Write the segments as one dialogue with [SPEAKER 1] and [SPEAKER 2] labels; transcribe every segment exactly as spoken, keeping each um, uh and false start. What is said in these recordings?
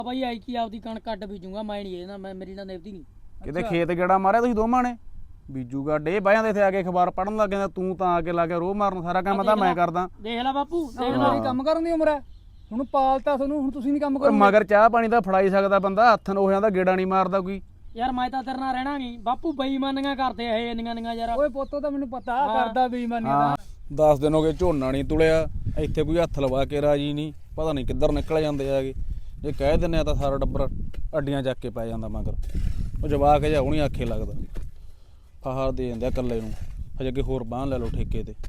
[SPEAKER 1] ਬਾਈ ਆਈ ਕੀ ਆਪਦੀ ਕਣਕ ਕੱਢ ਬੀਜੂਗਾ ਮੈਂ ਨਹੀਂ ਇਹਦਾ ਮੈਂ ਮੇਰੀ ਨਾਲ ਨਿਭਦੀ ਨਹੀਂ
[SPEAKER 2] ਕਿਤੇ ਖੇਤ ਗੇੜਾ ਮਾਰਿਆ ਤੁਸੀਂ ਦੋਵਾਂ ਨੇ ਬੀਜੂਗਾ ਡੇ ਬਾਹਾਂ ਦੇ ਇੱਥੇ ਆ ਕੇ ਅਖਬਾਰ ਪੜਨ ਲੱਗ ਜਾਂਦਾ ਤੂੰ ਤਾਂ ਆ ਕੇ ਲਾ ਕੇ ਰੋਹ ਮਾਰਨ ਸਾਰਾ ਕੰਮ ਤਾਂ ਮੈਂ ਕਰਦਾ
[SPEAKER 1] ਦੇਖ ਲੈ ਬਾਪੂ ਦੇਖ
[SPEAKER 3] ਮੇਰੀ ਕੰਮ ਕਰਨ ਦੀ ਉਮਰ ਹੈ ਹੁਣ ਪਾਲਤਾ ਤੁਹਾਨੂੰ ਹੁਣ ਤੁਸੀਂ ਨਹੀਂ ਕੰਮ ਕਰੋ
[SPEAKER 2] ਮਗਰ ਚਾਹ ਪਾਣੀ ਤਾਂ ਫੜਾਈ ਸਕਦਾ ਬੰਦਾ ਹੱਥ ਨੂੰ ਹੋ ਜਾਂਦਾ ਗੇੜਾ ਨਹੀਂ ਮਾਰਦਾ ਕੋਈ
[SPEAKER 1] ਯਾਰ ਮੈਂ ਤਾਂ ਤੇਰੇ ਨਾਲ ਰਹਿਣਾ ਨਹੀਂ ਬਾਪੂ ਬੇਈਮਾਨੀਆਂ ਕਰਦੇ ਇਹ ਇੰਨੀਆਂ ਇੰਨੀਆਂ ਯਾਰ
[SPEAKER 3] ਓਏ ਪੁੱਤੋ ਤਾਂ ਮੈਨੂੰ ਪਤਾ ਕਰਦਾ ਬੇਈਮਾਨੀਆਂ ਦਾ
[SPEAKER 2] ਦਸ ਦਿਨ ਹੋ ਗਏ ਝੋਨਾ ਨਹੀਂ ਤੁਲਿਆ ਇੱਥੇ ਕੋਈ ਹੱਥ ਲਵਾ ਕੇ ਰਾਜੀ ਨਹੀਂ ਪਤਾ ਨਹੀਂ ਕਿੱਧਰ ਨਿਕਲ ਜਾਂਦੇ ਆਗੇ ਜੇ ਕਹਿ ਦਿੰਦੇ ਆ ਤਾਂ ਸਾਰਾ ਡੱਬਰ ਅੱਡੀਆਂ ਚੱਕ ਕੇ ਪੈ ਜਾਂਦਾ ਮਗਰ ਉਹ ਜਵਾਕ ਜਿਹਾ ਹੁਣੀ ਆਖੇ ਲੱਗਦਾ ਫਹਾਰ ਦੇ ਜਾਂਦੇ ਆ ਇਕੱਲੇ ਨੂੰ ਹਜੇ ਅੱਗੇ ਹੋਰ ਬਾਂਹ ਲੈ ਲਓ ਠੇਕੇ ਤੇ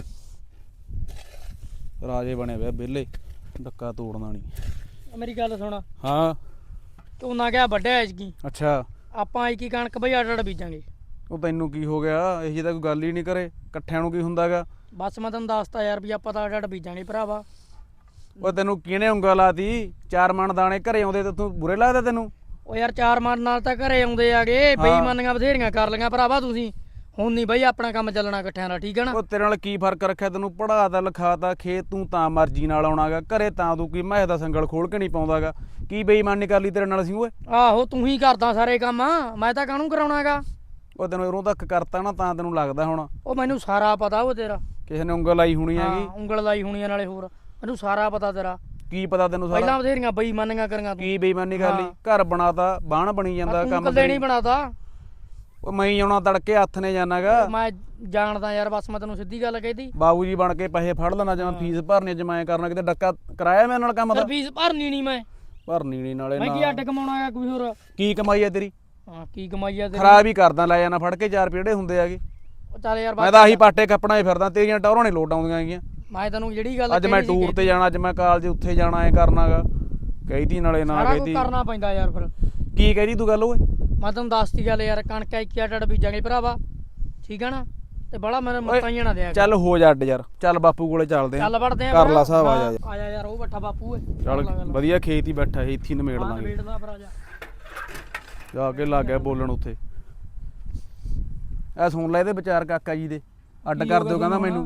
[SPEAKER 2] ਰਾਜੇ ਬਣੇ ਵੇ ਵਿਹਲੇ ਡੱਕਾ ਤੋੜਨਾ ਨਹੀਂ
[SPEAKER 1] ਮੇਰੀ ਗੱਲ ਸੁਣ
[SPEAKER 2] ਹਾਂ
[SPEAKER 1] ਤੂੰ ਨਾ ਕਿਹਾ ਵੱਡਿਆ ਐਜਕੀ
[SPEAKER 2] ਅੱਛਾ
[SPEAKER 1] ਆਪਾਂ ਆਈ ਕੀ ਕਣਕ ਬਈ ਅੱਡ ਅੱਡ ਬੀਜਾਂਗੇ
[SPEAKER 2] ਉਹ ਤੈਨੂੰ ਕੀ ਹੋ ਗਿਆ ਇਹ ਜਿਹੀ ਤਾਂ ਕੋਈ ਗੱਲ ਹੀ ਨਹੀਂ ਕਰੇ ਇਕੱਠਿਆਂ ਨੂੰ ਕੀ ਹੁੰਦਾਗਾ
[SPEAKER 1] ਬਸ ਮੈਂ ਤੈਨੂੰ ਦੱਸਤਾ ਯਾਰ ਵੀ ਆਪਾਂ ਤਾਂ ਅੱਡ ਅੱਡ ਬੀਜਾਂਗੇ ਭਰਾਵਾ
[SPEAKER 2] ਉਹ ਤੈਨੂੰ ਕਿਹਨੇ ਉਂਗਲ ਲਾਤੀ ਚਾਰ ਮਣ ਦਾਣੇ ਘਰੇ ਆਉਂਦੇ ਤੇ ਤੂੰ ਬੁਰੇ ਲੱਗਦਾ ਤੈਨੂੰ
[SPEAKER 1] ਉਹ ਯਾਰ ਚਾਰ ਮਨ ਨਾਲ ਤਾਂ ਘਰੇ ਆਉਂਦੇ ਆਗੇ ਬੇਈਮਾਨੀਆਂ ਬਥੇਰੀਆਂ ਕਰ ਲਈਆਂ ਭਰਾਵਾ ਤੁਸੀਂ ਹੁਣ ਨਹੀਂ ਬਈ ਆਪਣਾ ਕੰਮ ਚੱਲਣਾ ਇਕੱਠਿਆਂ ਦਾ ਠੀਕ ਹੈ ਨਾ
[SPEAKER 2] ਉਹ ਤੇਰੇ ਨਾਲ ਕੀ ਫਰਕ ਰੱਖਿਆ ਤੈਨੂੰ ਪੜਾਤਾ ਲਿਖਾਤਾ ਖੇਤ ਤੂੰ ਤਾਂ ਮਰਜ਼ੀ ਨਾਲ ਆਉਣਾਗਾ ਘਰੇ ਤਾਂ ਤੂੰ ਕੀ ਮੈਂ ਦਾ ਸੰਗਲ ਖੋਲ ਕੇ ਨਹੀਂ ਪਾਉਂਦਾਗਾ ਕੀ ਬੇਈਮਾਨੀ ਕਰ ਲਈ ਤੇਰੇ ਨਾਲ ਅਸੀਂ ਓਏ
[SPEAKER 1] ਆਹੋ ਤੂੰ ਹੀ ਕਰਦਾ ਸਾਰੇ ਕੰਮ ਮੈਂ ਤਾਂ ਕਾਹਨੂੰ ਕਰਾਉਣਾਗਾ
[SPEAKER 2] ਉਹ ਤੈਨੂੰ ਇਰੋਂ ਤੱਕ ਕਰਤਾ ਨਾ ਤਾਂ ਤੈਨੂੰ ਲੱਗਦਾ ਹੁਣ
[SPEAKER 1] ਉਹ ਮੈਨੂੰ ਸਾਰਾ ਪਤਾ ਉਹ ਤੇਰਾ
[SPEAKER 2] ਕਿਸੇ ਨੇ ਉਂਗਲ ਲਾਈ ਹੋਣੀ
[SPEAKER 1] ਹਾਂ
[SPEAKER 2] ਹੈਗੀ
[SPEAKER 1] ਉਂਗਲ ਲਾਈ ਹੋਣੀ ਨਾਲੇ ਹੋਰ ਮੈਨੂੰ ਸਾਰਾ ਪਤਾ ਤੇਰਾ
[SPEAKER 2] ਕੀ ਪਤਾ ਤੈਨੂੰ ਸਾਰਾ
[SPEAKER 1] ਪਹਿਲਾਂ ਬਥੇਰੀਆਂ ਬੇਈਮਾਨੀਆਂ ਕਰੀਆਂ ਤੂੰ
[SPEAKER 2] ਕੀ ਬੇਈਮਾਨੀ ਕਰ ਲਈ ਘਰ ਬਣਾਤਾ ਬਾਣ ਬਣੀ ਜਾਂਦਾ ਕੰਮ
[SPEAKER 1] ਕੱਲੇ ਨਹੀਂ ਬਣਾਤਾ
[SPEAKER 2] ਉਹ ਮੈਂ ਹੀ ਆਉਣਾ ਤੜਕੇ ਹੱਥ ਨੇ ਜਾਣਾਗਾ
[SPEAKER 1] ਮੈਂ ਜਾਣਦਾ ਯਾਰ ਬਸ ਮੈਂ ਤੈਨੂੰ ਸਿੱਧੀ ਗੱਲ ਕਹਿਦੀ
[SPEAKER 2] ਬਾਬੂ ਜੀ ਬਣ ਕੇ ਪੈਸੇ ਫੜ ਲੈਣਾ ਜਾਂ ਫੀਸ ਭਰਨੀ ਜਮਾਇਆ ਕਰਨਾ ਕਿਤੇ ਡੱਕਾ ਕਰਾਇਆ ਮੇਰੇ ਨਾਲ ਕੰਮ ਦਾ
[SPEAKER 1] ਫੀਸ ਭਰਨੀ ਨਹੀਂ ਮੈਂ
[SPEAKER 2] ਭਰਨੀ ਨਹੀਂ ਨਾਲੇ
[SPEAKER 1] ਮੈਂ ਕੀ ਅੱਡ ਕਮਾਉਣਾਗਾ ਕੋਈ ਹੋਰ
[SPEAKER 2] ਕੀ ਕਮਾਈ ਆ ਤੇਰੀ
[SPEAKER 1] ਹਾਂ ਕੀ ਕਮਾਈ ਆ ਤੇਰੀ
[SPEAKER 2] ਖਰਾਬ ਹੀ ਕਰਦਾ ਲੈ ਜਾਣਾ ਫੜ ਕੇ ਚਾਰ ਪੀੜੇ ਹੁੰਦੇ ਆਗੇ
[SPEAKER 1] ਉਹ ਚੱਲ ਯਾਰ
[SPEAKER 2] ਮੈਂ ਤਾਂ ਆਹੀ ਪਾਟੇ ਕੱਪਣਾ ਹੀ ਫਿਰਦਾ ਤੇਰੀਆਂ ਟੌਰਾਂ ਨਹੀਂ ਲੋਟ ਆਉਂਦੀਆਂ ਹੈਗੀਆਂ
[SPEAKER 1] ਮੈਂ ਤੈਨੂੰ ਜਿਹੜੀ ਗੱਲ
[SPEAKER 2] ਅੱਜ ਮੈਂ ਟੂਰ ਤੇ ਜਾਣਾ ਅੱਜ ਮੈਂ ਕਾਲਜ ਉੱਥੇ ਜਾਣਾ ਐ ਕਰਨਾਗਾ ਕਹੀਦੀ ਨਾਲੇ ਨਾ
[SPEAKER 1] ਸਾਰਾ ਕੁਝ
[SPEAKER 2] ਕਹੀਦੀ
[SPEAKER 1] ਕਰਨਾ ਪੈਂਦਾ ਯਾਰ ਫਿਰ
[SPEAKER 2] ਕੀ ਕਹਦੀ ਤੂੰ ਗੱਲ ਓਏ
[SPEAKER 1] ਮੈਂ ਤੈਨੂੰ ਦੱਸਤੀ ਗੱਲ ਯਾਰ ਕਣਕ ਇੱਕ ਅੱਡ ਅੱਡ ਬੀਜਾਂਗੇ ਭਰਾਵਾ ਠੀਕ ਆ ਨਾ ਤੇ ਬੜਾ ਮੈਨੂੰ ਮੱਤਾਂ ਹੀ ਨਾ ਦਿਆ
[SPEAKER 2] ਚੱਲ ਹੋ ਜਾ ਅੱਡ ਯਾਰ ਚੱਲ ਬਾਪੂ ਕੋਲੇ ਚੱਲਦੇ ਆ
[SPEAKER 1] ਚੱਲ ਵੜਦੇ ਆ
[SPEAKER 2] ਕਰ ਲਾ ਹਿਸਾਬ ਆ ਜਾ
[SPEAKER 1] ਆ ਜਾ ਯਾਰ ਉਹ ਬੱਠਾ ਬਾਪੂ ਏ
[SPEAKER 2] ਚੱਲ ਵਧੀਆ ਖੇਤ ਹੀ ਬੈਠਾ ਸੀ ਇੱਥੇ ਨਮੇੜ ਲਾਂਗੇ
[SPEAKER 1] ਨਵੇੜਦਾ ਭਰਾ ਜਾ
[SPEAKER 2] ਜਾ ਕੇ ਲੱਗ ਗਿਆ ਬੋਲਣ ਉੱਥੇ ਐ ਸੁਣ ਲੈ ਇਹਦੇ ਵਿਚਾਰ ਕਾਕਾ ਜੀ ਦੇ ਅੱਡ ਕਰ ਦਿਓ ਕਹਿੰਦਾ ਮੈਨੂੰ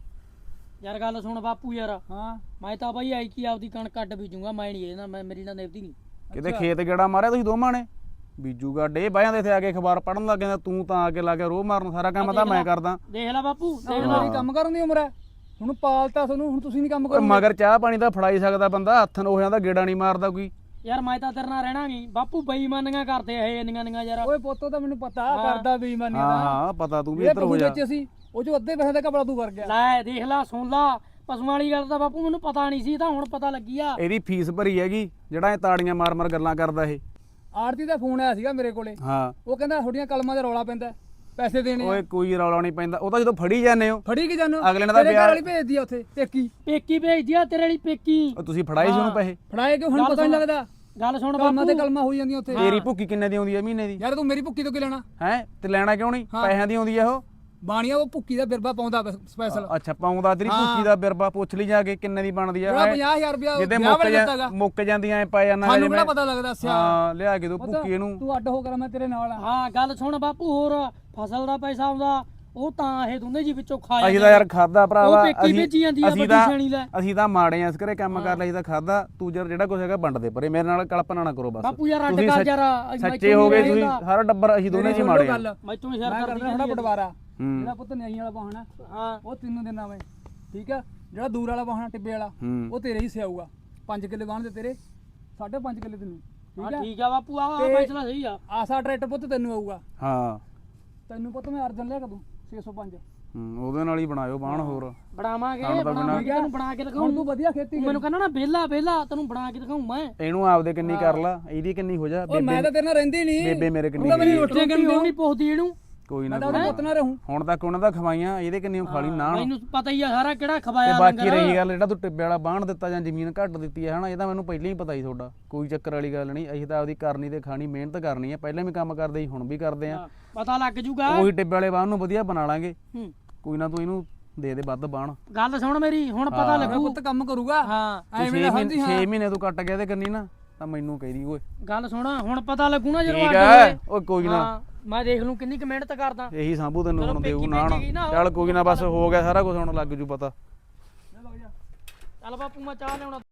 [SPEAKER 1] ਯਾਰ ਗੱਲ ਸੁਣ ਬਾਪੂ ਯਾਰ
[SPEAKER 3] ਹਾਂ
[SPEAKER 1] ਮੈਂ ਤਾਂ ਬਾਈ ਆਈ ਕੀ ਆਪਦੀ ਕਣਕ ਕੱਢ ਬੀਜੂਗਾ ਮੈਂ ਨਹੀਂ ਇਹਦਾ ਮੈਂ ਮੇਰੀ ਨਾਲ ਨਿਭਦੀ ਨਹੀਂ
[SPEAKER 2] ਕਿਤੇ ਖੇਤ ਗੇੜਾ ਮਾਰਿਆ ਤੁਸੀਂ ਦੋਵਾਂ ਨੇ ਬੀਜੂਗਾ ਡੇ ਬਾਹਾਂ ਦੇ ਇੱਥੇ ਆ ਕੇ ਅਖਬਾਰ ਪੜਨ ਲੱਗ ਜਾਂਦਾ ਤੂੰ ਤਾਂ ਆ ਕੇ ਲਾ ਕੇ ਰੋਹ ਮਾਰਨ ਸਾਰਾ ਕੰਮ ਤਾਂ ਮੈਂ ਕਰਦਾ
[SPEAKER 1] ਦੇਖ ਲੈ ਬਾਪੂ ਦੇਖ
[SPEAKER 3] ਮੇਰੀ ਕੰਮ ਕਰਨ ਦੀ ਉਮਰ ਹੈ ਹੁਣ ਪਾਲਤਾ ਤੁਹਾਨੂੰ ਹੁਣ ਤੁਸੀਂ ਨਹੀਂ ਕੰਮ ਕਰੋ
[SPEAKER 2] ਮਗਰ ਚਾਹ ਪਾਣੀ ਤਾਂ ਫੜਾਈ ਸਕਦਾ ਬੰਦਾ ਹੱਥ ਨੂੰ ਹੋ ਜਾਂਦਾ ਗੇੜਾ ਨਹੀਂ ਮਾਰਦਾ ਕੋਈ
[SPEAKER 1] ਯਾਰ ਮੈਂ ਤਾਂ ਤੇਰੇ ਨਾਲ ਰਹਿਣਾ ਨਹੀਂ ਬਾਪੂ ਬੇਈਮਾਨੀਆਂ ਕਰਦੇ ਇਹ ਇੰਨੀਆਂ ਇੰਨੀਆਂ ਯਾਰ
[SPEAKER 3] ਓਏ ਪੁੱਤੋ ਤਾਂ ਮੈਨੂੰ ਪਤਾ ਕਰਦਾ ਬੇਈਮਾਨੀਆਂ
[SPEAKER 2] ਹਾਂ
[SPEAKER 3] ਦਾ
[SPEAKER 2] ਹਾਂ ਪਤਾ ਤੂੰ ਵੀ
[SPEAKER 3] ਇਹ
[SPEAKER 2] ਇੱਧਰ ਹੋ
[SPEAKER 3] ਪਸ਼ੂ
[SPEAKER 2] ਜਾ
[SPEAKER 3] ਵਿੱਚ ਅਸੀਂ ਉਹ ਜੋ ਅੱਧੇ ਪੈਸੇ ਦਾ ਕਪੜਾ ਤੂੰ ਕਰ ਗਿਆ
[SPEAKER 1] ਲੈ ਦੇਖ ਲੈ ਸੁਣ ਲਾ ਪਸ਼ੂਆਂ ਵਾਲੀ ਗੱਲ ਤਾਂ ਬਾਪੂ ਮੈਨੂੰ ਪਤਾ ਨਹੀਂ ਸੀ ਤਾਂ ਹੁਣ ਪਤਾ ਲੱਗੀ ਆ
[SPEAKER 2] ਇਹਦੀ ਫੀਸ ਭਰੀ ਹੈਗੀ ਜਿਹੜਾ ਇਹ ਤਾੜੀਆਂ ਮਾਰ ਮਾਰ ਗੱਲਾਂ ਕਰਦਾ ਇਹ
[SPEAKER 3] ਆਰਤੀ ਦਾ ਫੋਨ ਆਇਆ ਸੀਗਾ ਮੇਰੇ ਕੋਲੇ
[SPEAKER 2] ਹਾਂ
[SPEAKER 3] ਉਹ ਕਹਿੰਦਾ ਤੁਹਾਡੀਆਂ ਕਲਮਾਂ 'ਤੇ ਰੌਲਾ ਪੈਂਦਾ ਪੈਸੇ ਦੇਣੇ
[SPEAKER 2] ਓਏ ਕੋਈ ਰੌਲਾ ਨਹੀਂ ਪੈਂਦਾ ਉਹ ਤਾਂ ਜਦੋਂ ਫੜੀ ਜਾਂਦੇ ਹੋ
[SPEAKER 3] ਫੜੀ ਕਿ ਜਾਨੋ
[SPEAKER 2] ਅਗਲੇ ਨੇ ਤਾਂ
[SPEAKER 3] ਤੇਰੇ ਘਰ
[SPEAKER 2] ਵਿਆਹ-
[SPEAKER 3] ਵਾਲੀ ਭੇਜਦੀ ਆ ਉੱਥੇ ਪੇਕੀ
[SPEAKER 1] ਪੇਕੀ ਭੇਜਦੀ ਆ ਤੇਰੇ ਵਾਲੀ ਪੇਕੀ
[SPEAKER 2] ਉਹ ਤੁਸੀਂ ਫੜਾਏ ਸੀ ਉਹਨੂੰ ਪੈਸੇ
[SPEAKER 3] ਫੜਾਏ ਕਿ ਹੁਣ
[SPEAKER 1] ਗੱਲ
[SPEAKER 3] ਪਤਾ ਨਹੀਂ
[SPEAKER 1] ਸੁਣ।
[SPEAKER 3] ਲੱਗਦਾ
[SPEAKER 1] ਗੱਲ ਸੁਣ
[SPEAKER 3] ਕਲਮਾਂ ਤੇ
[SPEAKER 1] ਬਾਪੂ
[SPEAKER 3] ਕਲਮਾਂ ਹੋਈ ਜਾਂਦੀਆਂ ਉੱਥੇ
[SPEAKER 2] ਤੇਰੀ ਭੁੱਕੀ ਕਿੰਨੇ ਦੀ ਆਉਂਦੀ ਹੈ ਮਹੀਨੇ ਦੀ
[SPEAKER 3] ਯਾਰ ਤੂੰ ਮੇਰੀ ਭੁੱਕੀ ਤੋਂ ਕੀ ਲੈਣਾ
[SPEAKER 2] ਹੈ ਤੇ ਲੈਣਾ ਕਿਉਂ ਨਹੀਂ ਪੈਸਿਆਂ ਦੀ ਆਉਂਦੀ ਆ ਉਹ
[SPEAKER 3] ਬਾਣੀਆ ਉਹ ਭੁੱਕੀ ਦਾ ਬਿਰਬਾ ਪਾਉਂਦਾ ਸਪੈਸ਼ਲ
[SPEAKER 2] ਅੱਛਾ ਪਾਉਂਦਾ ਤੇਰੀ ਭੁੱਕੀ ਦਾ ਬਿਰਬਾ ਪੁੱਛ ਲਈ ਜਾ ਕੇ ਕਿੰਨੇ ਦੀ ਬਣਦੀ ਆ
[SPEAKER 3] ਜਿਹੜਾ ਪੰਜਾਹ ਹਜ਼ਾਰ ਰੁਪਇਆ
[SPEAKER 2] ਜਿੱਦੇ
[SPEAKER 3] ਵਿਆਹ
[SPEAKER 2] ਮੁੱਕ
[SPEAKER 3] ਵੇਲੇ
[SPEAKER 2] ਜਾ
[SPEAKER 3] ਦਿੱਤਾਗਾ
[SPEAKER 2] ਮੁੱਕ ਜਾਂਦੀਆਂ ਐ ਪੈ ਜਾਂਦਾ
[SPEAKER 3] ਸਾਨੂੰ ਕਿਹੜਾ ਪਤਾ ਲੱਗਦਾ ਸਿਆ
[SPEAKER 2] ਹਾਂ ਲਿਆ ਕੇ ਦੋ ਭੁੱਕੀ ਇਹਨੂੰ
[SPEAKER 3] ਤੂੰ ਅੱਡ ਹੋ ਕਰ ਮੈਂ ਤੇਰੇ ਨਾਲ ਆ
[SPEAKER 1] ਹਾਂ ਗੱਲ ਸੁਣ ਬਾਪੂ ਹੋਰ ਫਸਲ ਦਾ ਪੈਸਾ ਆਉਂਦਾ ਉਹ ਤਾਂ ਇਹ ਦੋਨੇ ਜੀ ਵਿੱਚੋਂ ਖਾ
[SPEAKER 2] ਅਸੀਂ ਤਾਂ ਯਾਰ ਖਾਦਾ ਭਰਾਵਾ
[SPEAKER 1] ਉਹ ਪੇਕੀ ਭੇਜੀ ਜਾਂਦੀ ਆ
[SPEAKER 2] ਅਸੀਂ
[SPEAKER 1] ਵੱਡੀ
[SPEAKER 2] ਤਾਂ
[SPEAKER 1] ਛਾਣੀ ਲੈ
[SPEAKER 2] ਅਸੀਂ ਤਾਂ ਮਾੜੇ ਆ ਇਸ ਘਰੇ ਕੰਮ ਕਰ ਲਈ ਤਾਂ ਖਾਦਾ ਤੂੰ ਜਰ ਜਿਹੜਾ ਕੁਝ ਹੈਗਾ ਵੰਡ ਦੇ ਪਰੇ ਮੇਰੇ ਨਾਲ ਕਲਪਨਾ ਨਾ ਕਰੋ ਬਸ
[SPEAKER 1] ਬਾਪੂ ਯਾਰ ਅੱਡ
[SPEAKER 2] ਤੁਸੀਂ
[SPEAKER 1] ਕਰ
[SPEAKER 2] ਸੱਚ-
[SPEAKER 1] ਯਾਰ
[SPEAKER 2] ਸੱਚੇ ਹੋ ਗਏ ਤੁਸੀਂ ਸਾਰਾ ਡੱਬਰ ਅਸੀਂ ਦੋਨੇ ਜੀ ਮਾੜੇ ਆ
[SPEAKER 3] ਗੱਲ
[SPEAKER 1] ਮੈਂ ਤੂੰ
[SPEAKER 3] ਮੈਂ
[SPEAKER 1] ਸ਼ੇਅਰ
[SPEAKER 3] ਕਰਦਾ
[SPEAKER 1] ਕਰਦੀ
[SPEAKER 3] ਥੋੜਾ ਬਟਵਾਰਾ
[SPEAKER 2] ਹੂੰ
[SPEAKER 3] ਜਿਹੜਾ ਪੁੱਤ ਨਹੀਂ ਵਾਲਾ ਵਾਹਣਾ
[SPEAKER 1] ਹਾਂ
[SPEAKER 3] ਉਹ ਤੈਨੂੰ ਦੇਣਾ ਮੈਂ ਠੀਕ ਆ ਜਿਹੜਾ ਦੂਰ ਵਾਲਾ ਵਾਹਣਾ ਟਿੱਬੇ ਵਾਲਾ
[SPEAKER 2] ਹੂੰ
[SPEAKER 3] ਉਹ ਤੇਰੇ ਹਿੱਸੇ ਆਊਗਾ ਪੰਜ ਕਿੱਲੇ ਵਾਹਣ ਦੇ ਤੇਰੇ ਸਾਢੇ ਪੰਜ ਕਿੱਲੇ ਤੈਨੂੰ ਠੀਕ
[SPEAKER 1] ਹਾਂ
[SPEAKER 3] ਆ
[SPEAKER 1] ਠੀਕ ਆ ਬਾਪੂ ਆ
[SPEAKER 3] ਤੇ-
[SPEAKER 1] ਫੈਸਲਾ ਸਹੀ ਆ
[SPEAKER 3] ਆਸਾ ਟਰੈਕਟਰ ਪੁੱਤ ਤੈਨੂੰ ਆਊਗਾ
[SPEAKER 2] ਹਾਂ
[SPEAKER 3] ਤੈਨੂੰ ਪੁੱਤ ਮੈਂ ਅਰਜਨ ਲਿਆ ਕਦੋਂ ਛੇ ਸੌ ਪੰਜ
[SPEAKER 2] ਹੂੰ, ਉਹਦੇ ਨਾਲ ਹੀ ਬਣਾਇਓ ਬਾਣ ਹੋਰ
[SPEAKER 1] ਬਣਾਵਾਂਗੇ
[SPEAKER 2] ਖਾਣ ਦਾ
[SPEAKER 1] ਬਣਾਵਾਂਗੇ ਤੈਨੂੰ ਬਣਾ ਕੇ ਦਿਖਾਉਂ
[SPEAKER 3] ਹੁਣ ਤੂੰ ਵਧੀਆ ਖੇਤੀ
[SPEAKER 1] ਮੈਨੂੰ ਕਹਿੰਦਾ ਨਾ ਵਿਹਲਾ ਵਿਹਲਾ ਤੈਨੂੰ ਬਣਾ ਕੇ ਦਿਖਾਉਂ ਮੈਂ
[SPEAKER 2] ਇਹਨੂੰ ਆਪਦੇ ਕਿੰਨੀ ਕਰ ਲਾ ਇਹਦੀ ਕਿੰਨੀ ਹੋ ਜਾ
[SPEAKER 3] ਓਏ ਮੈਂ ਤਾਂ ਤੇਰੇ ਨਾਲ ਰਹਿੰਦੀ ਨਹੀਂ
[SPEAKER 2] ਬੇਬੇ ਮੇਰੇ ਕਿੰਨੀ
[SPEAKER 3] ਉਹਦਾ ਮੇਰੀ
[SPEAKER 2] ਗਈ।
[SPEAKER 3] ਰੋਟੀ
[SPEAKER 1] ਰੋਟੀਆਂ ਕਿਉਂ ਨਹੀਂ ਪੁੱਛਦੀ ਇਹਨੂੰ
[SPEAKER 2] ਕੋਈ ਨਾ
[SPEAKER 3] ਮੈਂ ਤਾਂ
[SPEAKER 2] ਕੋਈ
[SPEAKER 3] ਉਹਦਾ
[SPEAKER 2] ਨਾ।
[SPEAKER 3] ਪੁੱਤ ਨਾ ਰਹੂੰ
[SPEAKER 2] ਹੁਣ ਤੱਕ ਉਹਨਾਂ ਦਾ ਖਵਾਈਆਂ ਇਹਦੇ ਕਿੰਨੀ ਖਾਲੀ ਨਾ
[SPEAKER 1] ਮੈਨੂੰ ਪਤਾ ਹੀ ਆ ਸਾਰਾ ਕਿਹੜਾ
[SPEAKER 2] ਤੇ
[SPEAKER 1] ਖਵਾਇਆ
[SPEAKER 2] ਬਾਕੀ ਰਹੀ ਗੱਲ ਜਿਹੜਾ ਤੂੰ ਟਿੱਬੇ ਵਾਲਾ ਬਾਣ ਦਿੱਤਾ ਜਾਂ ਜ਼ਮੀਨ ਘੱਟ ਦਿੱਤੀ ਹੈ ਹਨਾ ਇਹ ਤਾਂ ਮੈਨੂੰ ਪਹਿਲਾਂ ਹੀ ਪਤਾ ਸੀ ਤੁਹਾਡਾ ਕੋਈ ਚੱਕਰ ਵਾਲੀ ਗੱਲ ਨਹੀਂ ਅਸੀਂ ਤਾਂ ਆਪਦੀ ਕਰਨੀ ਤੇ ਖਾਣੀ ਮਿਹਨਤ ਕਰਨੀ ਹੈ ਪਹਿਲਾਂ ਵੀ ਕੰਮ ਕਰਦੇ ਸੀ ਹੁਣ ਵੀ ਕਰਦੇ ਆ
[SPEAKER 1] ਪਤਾ ਲੱਗ ਜੂਗਾ
[SPEAKER 2] ਉਹੀ ਟਿੱਬੇ ਵਾਲੇ ਬਾਣ ਨੂੰ ਵਧੀਆ ਬਣਾ ਲਾਂਗੇ
[SPEAKER 1] ਹੂੰ
[SPEAKER 2] ਕੋਈ ਨਾ ਤੂੰ ਇਹਨੂੰ ਦੇ ਦੇ ਵੱਧ ਬਾਣ
[SPEAKER 1] ਗੱਲ ਸੁਣ ਮੇਰੀ ਹੁਣ ਪਤਾ
[SPEAKER 3] ਮੇਰਾ
[SPEAKER 1] ਲੱਗੂ
[SPEAKER 3] ਪੁੱਤ ਕੰਮ ਕਰੂਗਾ
[SPEAKER 1] ਹਾਂ
[SPEAKER 3] ਐਵੇਂ ਨਾ ਸਮਝੀ ਹਾਂ
[SPEAKER 2] ਛੇ ਮਹੀਨੇ ਤੂੰ ਕੱਟ ਗਿਆ ਤੇ ਕੰਨੀ ਨਾ ਤਾਂ ਮੈਨੂੰ ਕਹਿਦੀ ਓਏ
[SPEAKER 1] ਗੱਲ ਸੁਣ ਹੁਣ ਪਤਾ ਲੱਗੂ ਨਾ ਜਦੋਂ
[SPEAKER 2] ਠੀਕ
[SPEAKER 1] ਅੱਡ
[SPEAKER 2] ਹੈ
[SPEAKER 1] ਹੋਏ
[SPEAKER 2] ਓਏ ਕੋਈ ਨਾ
[SPEAKER 1] ਹਾਂ ਮੈਂ ਦੇਖ ਲੂੰ ਕਿੰਨੀ ਕੁ ਮਿਹਨਤ ਕਰਦਾ
[SPEAKER 2] ਇਹੀ ਸਾਂਭੂ ਤੈਨੂੰ
[SPEAKER 1] ਚਲੋ
[SPEAKER 2] ਹੁਣ ਦੇਊ
[SPEAKER 1] ਪੇਕੀ
[SPEAKER 2] ਨਾ
[SPEAKER 1] ਭੇਜੀ ਗਈ ਨਾ,
[SPEAKER 2] ਚੱਲ ਕੋਈ ਨਾ ਬਸ ਹੋ ਗਿਆ ਸਾਰਾ ਕੁਝ ਹੁਣ ਲੱਗ ਜੂ ਪਤਾ
[SPEAKER 1] ਚੱਲ ਬਾਪੂ ਮੈਂ ਚਾਹ ਲਿਆਉਣਾ